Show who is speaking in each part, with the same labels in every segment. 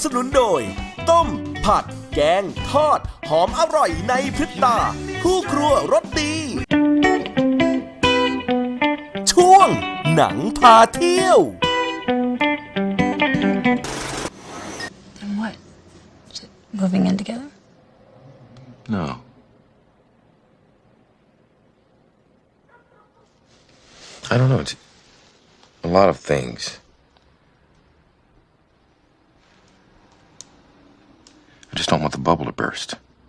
Speaker 1: สนุนโดย ต้ม ผัด แกง ทอด หอมอร่อยในพริบตาคู่ครัวรสดี ช่วง หนังพาเที่ยว
Speaker 2: And what? Is it moving in together?
Speaker 3: No. I don't know. It's a lot of things. I just don't want the bubble to burst.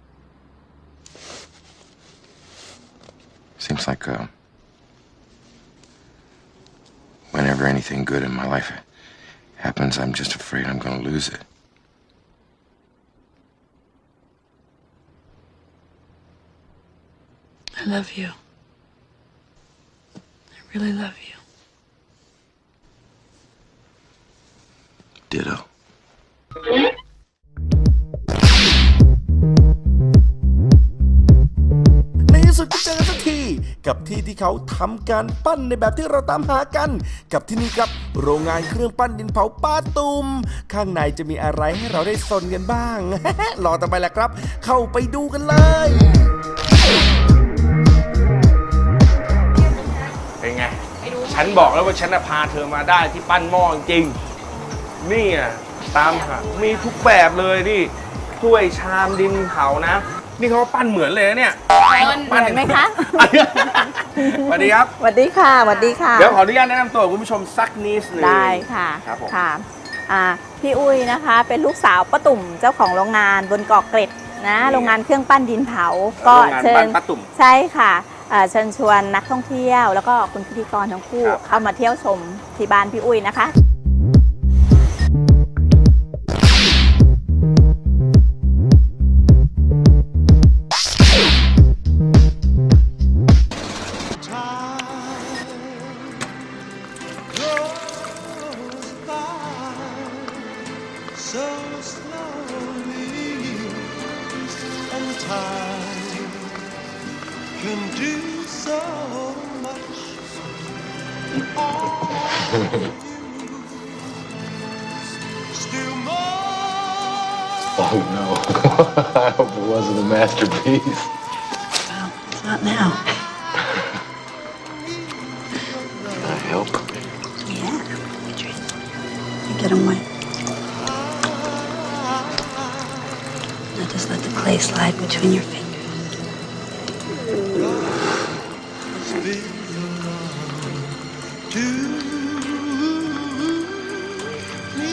Speaker 3: Seems like whenever anything good in my life happens, I'm just afraid I'm going to lose it.
Speaker 2: I love you. I really love you.
Speaker 3: Ditto.
Speaker 1: ในที่สุดก็เจอกันสักทีกับที่เขาทำการปั้นในแบบที่เราตามหากัน กับที่นี่ครับโรงงานเครื่องปั้นดินเผาป้าตุ่มข้างในจะมีอะไรให้เราได้สนกันบ้าง รอต่อไปแหละครับ เข้าไปดูกันเลย
Speaker 4: เป็นไง ฉันบอกแล้วว่าฉันพาเธอมาได้ที่ปั้นหม้อจริงๆนี่อ่ะตามหามีทุกแบบเลยนี่ถ้วยชามดินเผานะ นี่เขาปั้นเหมือนเลยนะเนี่ย
Speaker 5: เหมือนไหมคะ
Speaker 4: สวัสดีครับ
Speaker 5: สวัสดีค่ะสวัสดีค่ะ
Speaker 4: เดี๋ยวขออนุญาตแนะนำตัวคุณผู้ชมสักนิดนึง
Speaker 5: ได้ค่ะ
Speaker 4: ครับผม
Speaker 5: ค่ะพี่อุ้ยนะคะ เป็นลูกสาวป้าตุ่มเจ้าของโรงงานบนเกาะเกร็ดนะโรงงานเครื่องปั้นดินเผาก็เชิญ
Speaker 4: ป้าตุ่ม
Speaker 5: ใช่ค่ะเชิญชวนนักท่องเที่ยว แล้วก็คุณพิธีกรทั้งคู่
Speaker 4: ครับ
Speaker 5: เข้ามาเที่ยวชมที่บ้านพี่อุ้ยนะคะ
Speaker 6: So slowly, and time can do so much. Still more.
Speaker 3: Oh no. I hope it wasn't a masterpiece.
Speaker 2: Well, it's not now.
Speaker 3: Can I help?
Speaker 2: Yeah, Adrian. You get them wet. Now just let the clay slide between your fingers.
Speaker 6: To me,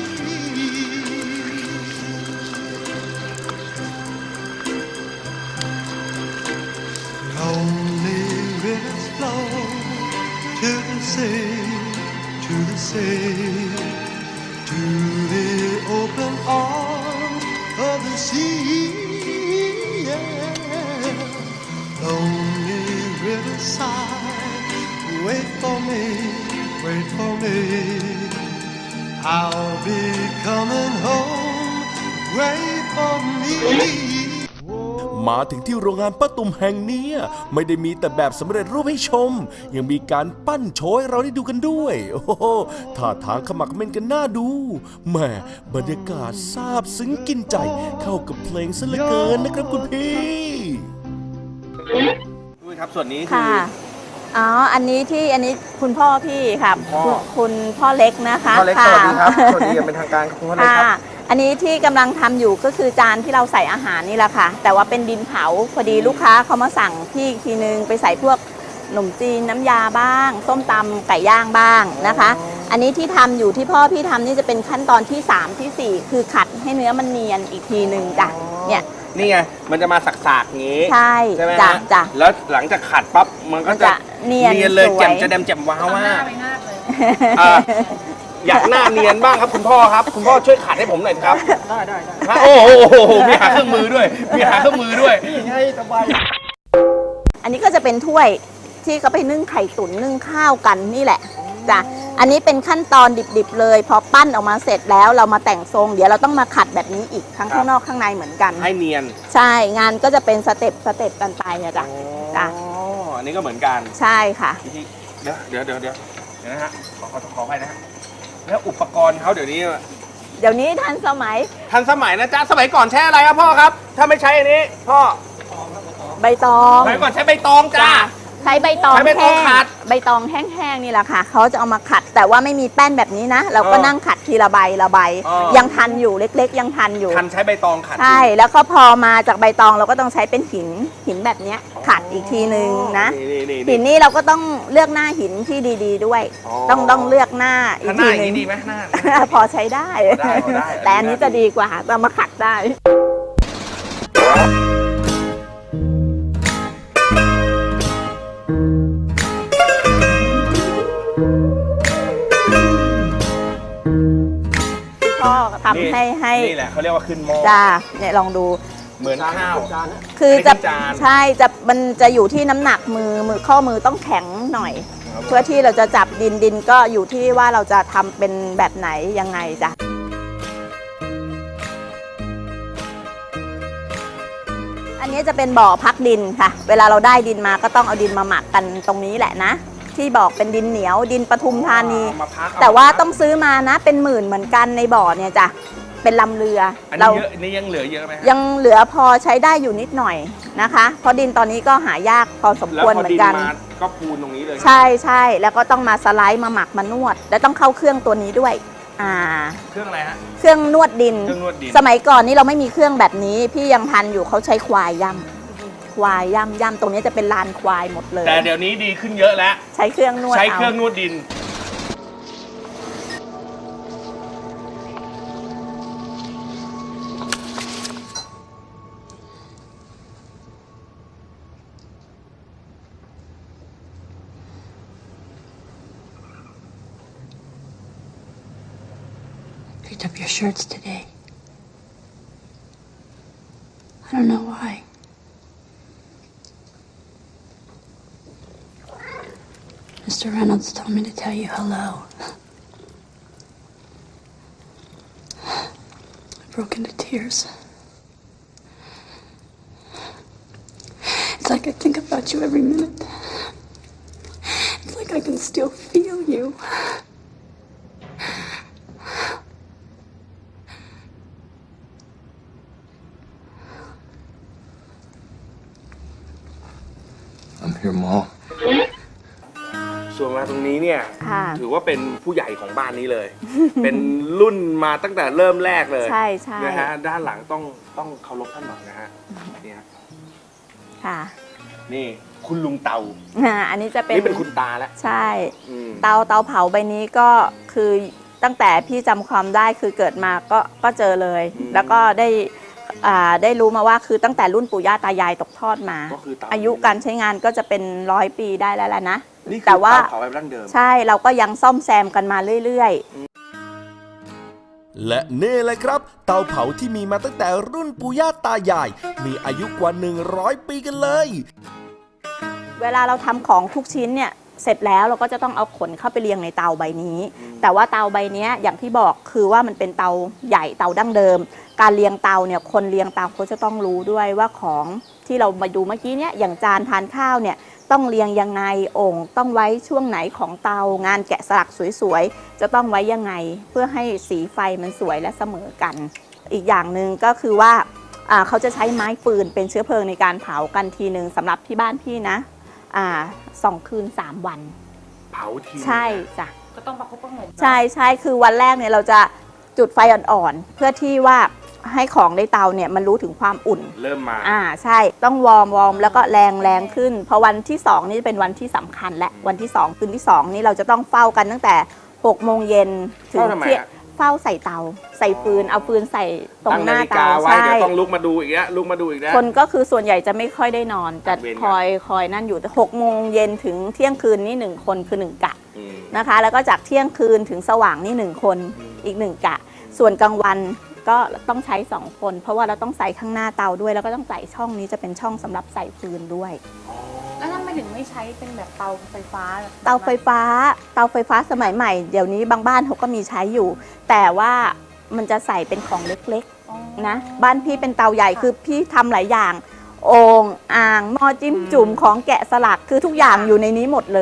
Speaker 6: lonely rivers flow to the sea, to the sea, to the open arms of the sea. Yeah. Lonely riverside, wait for me, wait for me. I'll be coming home, wait for me.
Speaker 1: มาถึงที่โรงงานป้าตุ่มแห่งนี้ไม่ได้มีแต่แบบสำเร็จรูปให้ชม ยังมีการปั้นโชว์ให้เราได้ดูกันด้วย โอ้โหท่าทางขมักเขม้นกันน่าดูแหม่บรรยากาศซาบซึ้งกินใจเข้ากับเพลงซะเหลือเกินนะครับคุณพี่
Speaker 4: ด้วยครับส่วนนี้คื
Speaker 5: ค่ะ
Speaker 4: อ
Speaker 5: อันนี้คุณพ่อพี่ค่ะ
Speaker 4: พ่อ
Speaker 5: คุณพ่อเล็กนะคะ
Speaker 4: พ่อเล็กส
Speaker 5: ค่ะ
Speaker 4: วัสดีครับสวัสดีอย่างเป็นทางการครับคุณพ่อเล็กครับ
Speaker 5: อันนี้ที่กำลังทำอยู่ก็คือจานที่เราใส่อาหารนี่แหละค่ะ แต่ว่าเป็นดินเผาพอดีลูกค้าเขามาสั่งพี่อีกทีนึงไปใส่พวกขนมจีนน้ำยาบ้างส้มตำไก่ย่างบ้างนะคะ อันนี้ที่ทำอยู่ที่พ่อพี่ทำนี่จะเป็นขั้นตอนที่ 3 ที่ 4 คือขัดให้เนื้อมันเนียนอีกทีนึงจ้ะเนี่ย
Speaker 4: นี่ไงมันจะมาสักๆอย่างนี้
Speaker 5: ใช่
Speaker 4: ใช่ไหม
Speaker 5: จ้ะ
Speaker 4: ฮะ
Speaker 5: จ้ะ
Speaker 4: แล้วหลังจากขัดปั๊บมันก็จะ
Speaker 5: เนียน
Speaker 4: เลย
Speaker 5: สวย
Speaker 4: แจ่มจะแดมแจ่มว้าวมากอยากหน้าเนียนบ้างครับคุณพ่อครับ คุณพ่อช่วยขัดให้ผมหน่อยครับได้โอ้โหมีหาเครื่องมือด้วยมีหาเครื่องมือด้วย
Speaker 5: อันนี้ก็จะเป็นถ้วยที่เขาไปนึ่งไข่ตุ๋นนึ่งข้าวกันนี่แหละจ้ะอันนี้เป็นขั้นตอนดิบๆเลยพอปั้นออกมาเสร็จแล้วเรามาแต่งทรงเดี๋ยวเราต้องมาขัดแบบนี้อีกทั้งข้างนอกข้างในเหมือนกัน
Speaker 4: ให้เนียน
Speaker 5: ใช่งานก็จะเป็นสเต็ปกันไปเนี่ยจ้ะจ้ะ
Speaker 4: อ๋ออันนี้ก็เหมือนกัน
Speaker 5: ใช่ค่ะ
Speaker 4: เดี๋ยวนะฮะขออภัยนะฮะแล้วอุปกรณ์เขาเดี๋ยวนี้
Speaker 5: เดี๋ยวนี้ทันสมัย
Speaker 4: ทันสมัยนะจ๊ะสมัยก่อนใช้อะไรครับพ่อครับ ถ้าไม่ใช้อันนี้พ่อ
Speaker 5: ใบตอง
Speaker 4: สมัยก่อนใช้ใบตองจ้า
Speaker 5: ใช้ใบตอง
Speaker 4: ใช้ใบตองขัด
Speaker 5: ใบตองแห้งๆนี่แหละค่ะเขาจะเอามาขัด แต่ว่าไม่มีแป้นแบบนี้นะ เราก็นั่งขัดทีละใบละใบ ยังทันอยู่เล็กๆ ยังทันอยู่
Speaker 4: ทันใช้ใบตองขัด
Speaker 5: ใช่แล้วก็พอมาจากใบตองเราก็ต้องใช้เป็นหินแบบเนี้ยขัดอีกทีนึงนะ หินนี่เราก็ต้องเลือกหน้าหินที่ดีๆด้วย ต้องเลือกหน้าอี
Speaker 4: ถ้าก หน้า
Speaker 5: ที
Speaker 4: อย่าง
Speaker 5: นึง
Speaker 4: นี้ดีไหมหน้า
Speaker 5: พอใช้ได้
Speaker 4: ได้พอได้
Speaker 5: แต่อันนี้จะดีกว่าเรามาขัดได้ พ่อทำให้
Speaker 4: นี่แหละเขาเรียกว่าขึ้นหม้อ
Speaker 5: จ้าเนี่ยลองดู
Speaker 4: เหมือนข้าว
Speaker 5: คือจะ
Speaker 4: อันนี้เป็นจาน
Speaker 5: ใช่มันจะอยู่ที่น้ำหนักมือข้อมือต้องแข็งหน่อย เพื่อที่เราจะจับดินก็อยู่ที่ว่าเราจะทำเป็นแบบไหนยังไงจ้ะอันนี้จะเป็นบ่อพักดินค่ะ เวลาเราได้ดินมาก็ต้องเอาดินมาหมักกันตรงนี้แหละนะ ที่บอกเป็นดินเหนียวดินปทุมธานี
Speaker 4: เอามาพัก
Speaker 5: แต่ว่าต้องซื้อมานะเป็นหมื่นเหมือนกันในบ่อเนี่ยจ้ะเป็นลำเรือ
Speaker 4: อัน
Speaker 5: เรา
Speaker 4: นี้เยอะอันนี้ยังเหลือเยอะไหมฮะ
Speaker 5: ยังเหลือพอใช้ได้อยู่นิดหน่อยนะคะ เพราะดินตอนนี้ก็หายากพอสม
Speaker 4: แล้ว
Speaker 5: ควร
Speaker 4: พอ
Speaker 5: เหมือ
Speaker 4: ดิ
Speaker 5: นกัน
Speaker 4: มาก็พูนตรงนี้เลย
Speaker 5: ใช่แล้วก็ต้องมาสไลด์มาหมักมานวด แล้วต้องเข้าเครื่องตัวนี้ด้วย
Speaker 4: เครื่องอะไรฮะ
Speaker 5: เครื่องนวดดิน
Speaker 4: เครื่องนวดดิน
Speaker 5: สมัยก่อนนี้เราไม่มีเครื่องแบบนี้ พี่ยังทันอยู่เขาใช้ควายย่ำตรงนี้จะเป็นลานควายหมดเลย
Speaker 4: แต่เดี๋ยวนี้ดีขึ้นเยอะแล้ว
Speaker 5: ใช้เครื่องนวด
Speaker 4: ใช้เครื่องนวดดิน
Speaker 2: Picked up your shirts today. I don't know why. Mr. Reynolds told me to tell you hello. I broke into tears. It's like I think about you every minute. It's like I can still feel you.
Speaker 3: I'm here, Ma.
Speaker 4: ส่วนมาตรงนี้เนี่ย
Speaker 5: ค่ะ
Speaker 4: ถือว่าเป็นผู้ใหญ่ของบ้านนี้เลย เป็นรุ่นมาตั้งแต่เริ่มแรกเลย
Speaker 5: ใช่
Speaker 4: นะฮะด้านหลังต้องเคารพท่านหน่อยนะฮะเนี่ย
Speaker 5: ค่ะ
Speaker 4: นี่คุณลุงเตา
Speaker 5: อันนี้จะเป็น
Speaker 4: นี่เป็นคุณตาแล้ว
Speaker 5: ใช่
Speaker 4: อืม
Speaker 5: เตาเผาใบนี้ก็คือตั้งแต่พี่จำความได้คือเกิดมาก็เจอเลย แล้วก็ได้รู้มาว่าคือตั้งแต่รุ่นปู่ย่าตายายตกทอดมา
Speaker 4: ก็คือเตา
Speaker 5: อายุการใช้งานก็จะเป็น100 ปีได้แล้วแหละนะ
Speaker 4: นี่คือ
Speaker 5: แต่ว่า
Speaker 4: เตาเผาแบบดั้งเดิม
Speaker 5: ใช่เราก็ยังซ่อมแซมกันมาเรื่อยๆ
Speaker 1: และนี่เลยครับ เตาเผาที่มีมาตั้งแต่รุ่นปู่ย่าตายาย มีอายุกว่า 100 ปีกันเลย
Speaker 5: เวลาเราทำของทุกชิ้นเนี่ยเสร็จแล้วเราก็จะต้องเอาขนเข้าไปเรียงในเตาใบนี้ แต่ว่าเตาใบนี้อย่างที่บอกคือว่ามันเป็นเตาใหญ่เตาดั้งเดิม การเรียงเตาเนี่ยคนเรียงเตาเขาจะต้องรู้ด้วยว่าของที่เรามาดูเมื่อกี้เนี่ยอย่างจานทานข้าวเนี่ยต้องเรียงยังไงโอ่งต้องไว้ช่วงไหนของเตางานแกะสลักสวยๆจะต้องไว้ยังไงเพื่อให้สีไฟมันสวยและเสมอกัน อีกอย่างหนึ่งก็คือว่าเขาจะใช้ไม้ฟืนเป็นเชื้อเพลิงในการเผากันทีหนึ่งสำหรับที่บ้านพี่นะ2 คืน 3 วัน
Speaker 4: เผาที
Speaker 5: ใช่จ้ะ
Speaker 2: ก็ต้องประคบประหงม
Speaker 5: ใช่คือวันแรกเนี่ยเราจะจุดไฟอ่อนๆเพื่อที่ว่าให้ของในเตาเนี่ยมันรู้ถึงความอุ่น
Speaker 4: เริ่มมา
Speaker 5: ใช่ต้องวอร์มแล้วก็แรงขึ้นพอวันที่2นี่จะเป็นวันที่สำคัญและวันที่2คืนที่2นี่เราจะต้องเฝ้ากันตั้งแต่6 โมงเย็นถึง
Speaker 4: เฝ้าทำไม
Speaker 5: เที่ยง
Speaker 4: อะ
Speaker 5: เฝ้าใส่เตาใส่ฟืนเอาฟืนใส่ตรง
Speaker 4: ตั้ง
Speaker 5: ห
Speaker 4: นา
Speaker 5: น้า
Speaker 4: ฬิกา
Speaker 5: เตา
Speaker 4: ไว้
Speaker 5: ใช่
Speaker 4: เดี๋ยวต้องลุกมาดูอีกแล้วลุกมาดูอีกแล้ว
Speaker 5: คนก็คือส่วนใหญ่จะไม่ค่อยได้นอนจะ
Speaker 4: เวรกัน
Speaker 5: คอยนั่นอยู่แต่6 โมงเย็นถึงเที่ยงคืนนี่1 คนคือ1 กะ
Speaker 4: อืม
Speaker 5: นะคะแล้วก็จากเที่ยงคืนถึงสว่างนี่1 คนอีก1 กะ ส่วนกลางวันก็ต้องใช้2 คน เพราะว่าเราต้องใส่ข้างหน้าเตาด้วยแล้วก็ต้องใส่ช่องนี้จะเป็นช่องสำหรับใส่ฟืนด้วย
Speaker 2: แล้วทำไมถึงไม่ใช้เป็นแบบเตาไฟฟ้า
Speaker 5: เตาไฟฟ้าสมัยใหม่เดี๋ยวนี้บางบ้านเขาก็มีใช้อยู่ แต่ว่ามันจะใส่เป็นของเล็กๆนะบ้านพี่เป็นเตาใหญ่คือพี่ทำหลายอย่างโอ่งอ่างหม้อจิ้มจุ่มของแกะสลักคือทุกอย่างอยู่ในนี้หมดเลย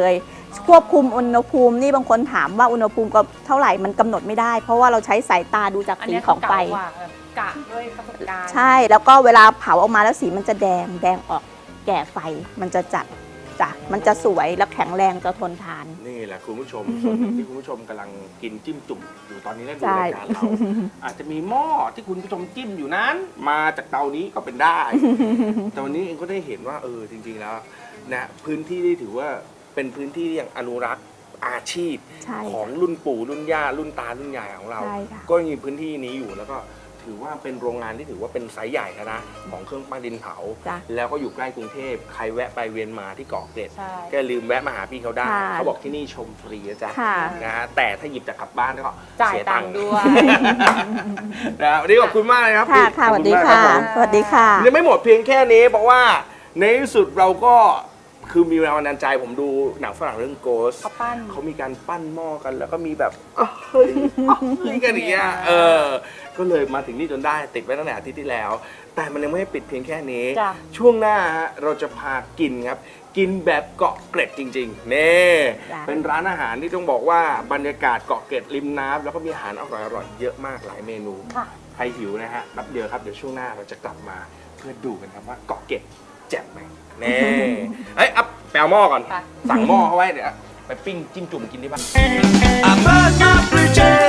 Speaker 5: ควบคุมอุณหภูมินี่บางคนถามว่าอุณหภูมิก็เท่าไหร่มันกำหนดไม่ได้ เพราะว่าเราใช้สายตาดูจาก
Speaker 7: อัน
Speaker 5: สี
Speaker 7: เนี้ย
Speaker 5: ของไฟ
Speaker 7: เก่ากว่าแบบกะด้วยประสบการณ์
Speaker 5: ใช่แล้วก็เวลาเผาออกมาแล้วสีมันจะแดงออกแก่ไฟมันจะจัดจ้ะมันจะสวยและแข็งแรงจะทนทาน
Speaker 4: นี่แหละคุณผู้ชม ส่วนหนึ่งที่คุณผู้ชมกำลังกินจิ้มจุ่มอยู่ตอนนี้และดู
Speaker 5: ใช่
Speaker 4: รายการเรา อาจจะมีหม้อที่คุณผู้ชมจิ้มอยู่นั้น มาจากเตานี้ก็เป็นได้ แต่วันนี้เองก็ได้เห็นว่าจริง ๆแล้วนะพื้นที่ที่ถือว่าเป็นพื้นที่ที่ยังอนุรักษ์อาชีพ
Speaker 5: ใช่
Speaker 4: ของรุ่นปู่รุ่นย่ารุ่นตารุ่นยายของเรา
Speaker 5: ใช่ค่ะ
Speaker 4: ก็ยังมีพื้นที่นี้อยู่แล้วก็ถือว่าเป็นโรงงานที่ถือว่าเป็นไซส์ใหญ่นะของเครื่องปั้นดินเผา
Speaker 5: จ้ะ
Speaker 4: แล้วก็อยู่ใกล้กรุงเทพใครแวะไปเวียนมาที่เกาะเกร็ด
Speaker 7: ใช่
Speaker 4: ก็ลืมแวะมาหาพี่เขาได้
Speaker 5: ค่ะ
Speaker 4: เขาบอกที่นี่ชมฟรีนะจ๊ะ
Speaker 5: ค่ะ
Speaker 4: นะฮะแต่ถ้าหยิบจากกลับบ้านก็
Speaker 7: จ่าย
Speaker 4: เสี
Speaker 7: ตังค์ด้วย
Speaker 4: นะวันนี้ขอบคุณมากเลยครับ
Speaker 5: ค่ะ
Speaker 4: พี่
Speaker 5: ค่ะส
Speaker 4: ขอบ
Speaker 5: วัส
Speaker 4: ณ
Speaker 5: ดี
Speaker 4: มาก
Speaker 5: ค่ะ
Speaker 4: รับผม
Speaker 5: สวัสดีค่ะ
Speaker 4: ยังไม่หมดเพียงแค่นี้เพราะว่าในที่สุดเราก็คือมีแรงบันดาลใจผมดูหนังฝรั่งเรื่อง Ghost
Speaker 7: เขาปั้น
Speaker 4: เขามีการปั้นหม้อกันแล้วก็มีแบบเฮ้ยกันอย่างเงี้ยก็เลยมาถึงนี่จนได้ติดไว้ตั้งแต่อาทิตย์ที่แล้ว แต่มันยังไม่ได้ปิดเพียงแค่นี้
Speaker 7: จ้ะ
Speaker 4: ช่วงหน้าฮะเราจะพากินครับ กินแบบเกาะเกร็ดจริงๆนี่
Speaker 5: จ้ะ
Speaker 4: เป็นร้านอาหารที่ต้องบอกว่าบรรยากาศเกาะเกร็ดริมน้ำแล้วก็มีอาหารอร่อยๆเยอะมากหลายเมนู
Speaker 7: ค่ะ
Speaker 4: ใครหิวนะฮะแป๊บเดียวครับเดี๋ยวช่วงหน้าเราจะกลับมาเพื่อดูกันครับว่าเกาะเกร็ดแจ่มไหมเน่เอ้ยอัพแปลหม้อก่อน
Speaker 7: ไป
Speaker 4: สั่งหม้อเขาไว้เดี๋ยวไปปิ้งจิ้มจุ่มกินที่บ้าน
Speaker 6: I burn my bridges